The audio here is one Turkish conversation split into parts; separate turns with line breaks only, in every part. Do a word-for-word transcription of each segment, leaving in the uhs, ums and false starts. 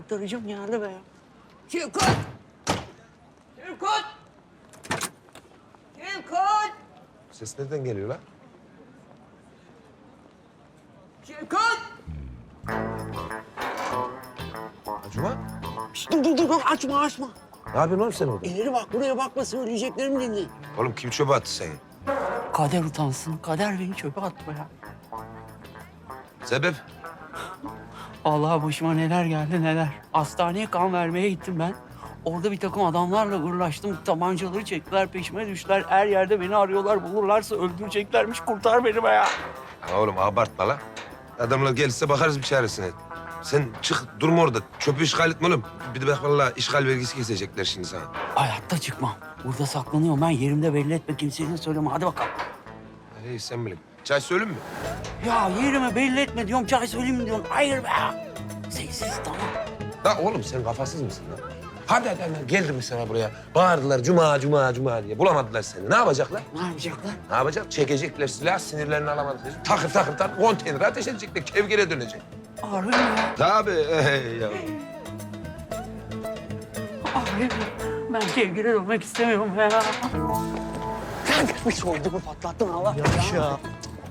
aktarıcım geldi be.
Şevkut! Şevkut! Şevkut!
Ses nereden geliyor lan?
Şevkut!
Cuma?
Şişt, dur dur dur açma açma.
Ne yapıyorsun oğlum sen orada?
İleri bak buraya bakma söyleyeceklerimi dinle.
Oğlum kim çöpe attı seni?
Kader utansın. Kader beni çöpe attı ya.
Sebep?
Allah başıma neler geldi neler. Hastaneye kan vermeye gittim ben. Orada bir takım adamlarla uğraştım. Tabancaları çektiler, peşime düştüler. Her yerde beni arıyorlar. Bulurlarsa öldüreceklermiş. Kurtar beni be ya.
Ha oğlum abartma lan. Adamlar gelirse bakarız bir çaresine. Sen çık durma orada. Çöpü işgal etme oğlum. Bir de bak vallahi işgal vergisi kesecekler şimdi sana.
Hayatta çıkmam. Burada saklanıyorum ben. Yerimde belli etme. Kimseye söyleme. Hadi bakalım.
Hey sen bilin. Çay söyleyeyim mi?
Ya yerimi belli etme diyorum. Çay söyleyeyim mi diyorum. Hayır be ya. Sessiz tamam.
La oğlum sen kafasız mısın lan? Hadi hadi hadi geldi mesela buraya. Bağırdılar cuma cuma cuma diye. Bulamadılar seni. Ne yapacaklar?
Ne yapacaklar?
Ne yapacak? Çekecekler silah, sinirlerini alamadıkları için. Takır takır takır konteynere ateş edecekler. Kevgire dönecek.
Harbi mi ya?
Tabii. Hey ya.
Harbi mi? Ben kevgire dönmek istemiyorum ya. Kanka bir soydumu patlattın Allah ya. ya.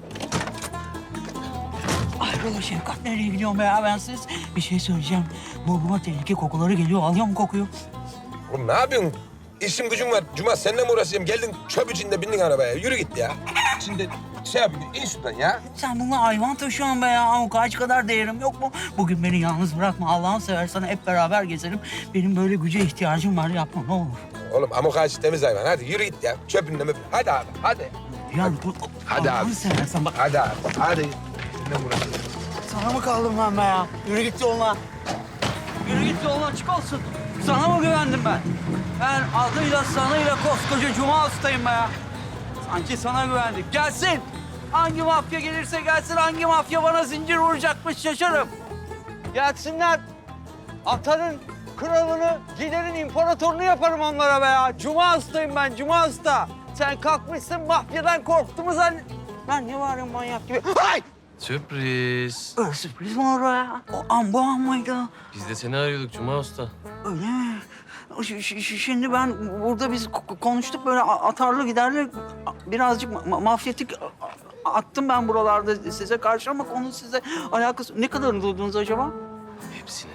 Ayrıla Şefkat nereye gidiyorum be ya bensiz? Bir şey söyleyeceğim. Burnuma tehlike kokuları geliyor. Alıyor mu kokuyu?
Oğlum ne yapıyorsun? İşim gücüm var. Cuma seninle mi uğraşacağım? Geldin çöp içinde bindin arabaya. Yürü git ya. Şimdi şey yapayım. İn şuradan ya.
Sen bununla hayvan taşıyorsun be ya. Ama kaç kadar değerim yok mu? Bugün beni yalnız bırakma. Allah'ını seversen hep beraber gezelim. Benim böyle güce ihtiyacım var. Yapma ne olur.
Oğlum amok ağacı temiz hayvan. Hadi yürü git ya. Çöpünle möp. Hadi abi. Hadi.
Ya bu,
Hadi
Allah'ını
abi.
seversen bak.
Hadi abi. Hadi. Seninle mi uğraşacağım?
Sana mı kaldım ben be ya? Yürü git yoluna. Yürü git yoluna açık olsun. Sana mı güvendim ben? Ben adıyla sanıyla koskoca Cuma Usta'yım be ya. Sanki sana güvendik. Gelsin. Hangi mafya gelirse gelsin, hangi mafya bana zincir vuracakmış şaşarım. Gelsinler. Atanın kralını, giderin imparatorunu yaparım onlara be ya. Cuma Usta'yım ben, Cuma Usta. Sen kalkmışsın mafyadan korktu mu zannet... Ben ne varım manyak gibi. Ay!
Sürpriz.
Öyle sürpriz mi olur ya? O an bu an mıydı?
Biz de seni arıyorduk Cuma Usta.
Öyle mi? Ş- ş- ş- Şimdi ben burada biz ko- konuştuk böyle a- atarlı giderli birazcık ma- mafyatik a- attım ben buralarda size karşı ama konu size alakası... Ne kadarını duydunuz acaba?
Hepsini.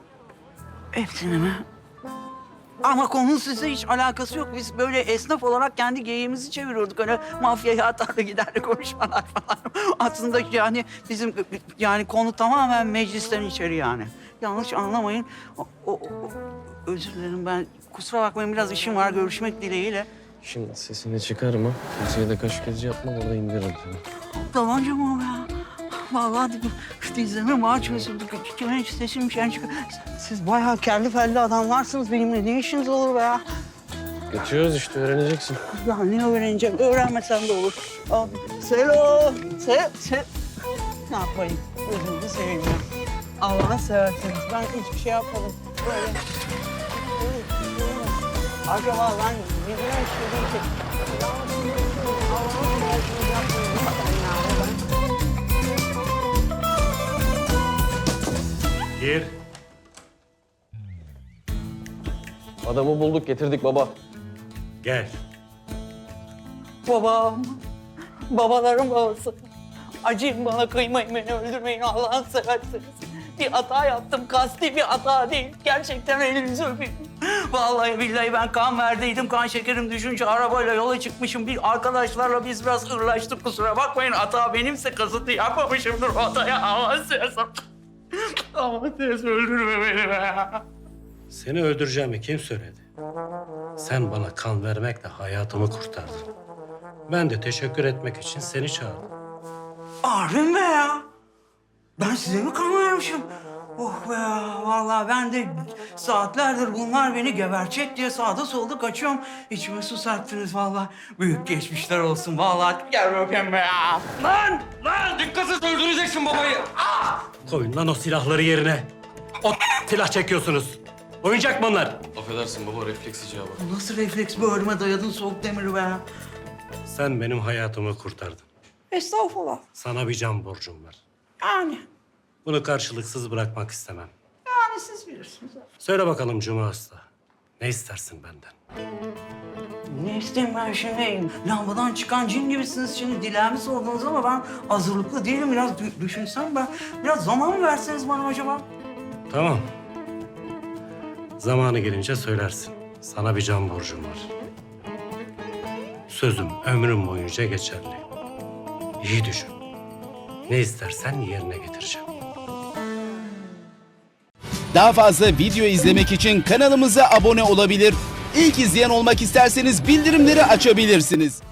Hepsini mi? Ama konunun size hiç alakası yok. Biz böyle esnaf olarak kendi geyiğimizi çeviriyorduk. Öyle mafyaya atarlı giderli konuşmalar falan. Aslında yani bizim yani konu tamamen meclisten içeri yani. Yanlış anlamayın. O, o, o- özür dilerim ben. Kusura bakmayın biraz işim var görüşmek dileğiyle.
Şimdi sesini çıkarma. Kimseye de kaş gözü yapma. Orada indiririm seni.
Tabanca mı o ya? Vallahi dizlerime maaş çözüldü. Kimin sesim şey çıkıyor. Siz bayağı kelli felli adamlarsınız. Benimle ne işiniz olur be ya?
Geçiyoruz işte öğreneceksin.
Ya ne öğreneceğim? Öğrenmesem de olur. Aa, Selo! Se, se... Ne yapayım? Gözünüzü seveyim ya. Allah'ını seversiniz. Ben hiçbir şey yapmadım. Böyle... Acaba ben bilmiyorum işte değil ki. Allah'ını seversiniz yapmayın. Lütfen ya. Ben...
Gir.
Adamı bulduk getirdik baba.
Gel.
Babam, babaların babası. Acıyın bana, kıymayın beni, öldürmeyin Allah'ını seversiniz. Bir hata yaptım, kasti bir hata değil. Gerçekten elinizi öpeyim. Vallahi billahi ben kan verdiydim, kan şekerim düşünce arabayla yola çıkmışım. Bir arkadaşlarla biz biraz hırlaştık, kusura bakmayın. Hata benimse kasıtlı yapmamışımdır o hataya. Allah'ını seversen. Allah'ını seversen öldürme beni be.
Seni öldüreceğimi kim söyledi? Sen bana kan vermekle hayatımı kurtardın. Ben de teşekkür etmek için seni çağırdım.
Harbi be ya? Ben size mi kan vermişim? Oh be ya, vallahi ben de saatlerdir bunlar beni gebercek diye sağda solda kaçıyorum. İçime su serptiniz vallahi. Büyük geçmişler olsun vallahi. Gel öpeyim be ya. Lan! Lan! Dikkatsiz öldüreceksin babayı. Ah!
Koyun lan o silahları yerine. O silah çekiyorsunuz. Oyuncak mı onlar?
Affedersin baba refleks icabı.
Nasıl refleks bu ölüme dayadın soğuk demiri be?
Sen benim hayatımı kurtardın.
Estağfurullah.
Sana bir can borcum var.
Yani.
Bunu karşılıksız bırakmak istemem.
Yani Yani siz bilirsiniz.
Söyle bakalım Cuma Usta. Ne istersin benden?
Ne isteyeyim ben şimdi? Lambadan çıkan cin gibisiniz şimdi. Dileğimi sordunuz ama ben hazırlıklı değilim. Biraz dü- düşünsem ben. Biraz zaman mı verseniz bana acaba?
Tamam. Zamanı gelince söylersin. Sana bir can borcum var. Sözüm ömrüm boyunca geçerli. İyi düşün. Ne istersen yerine getireceğim.
Daha fazla video izlemek için kanalımıza abone olabilir. İlk izleyen olmak isterseniz bildirimleri açabilirsiniz.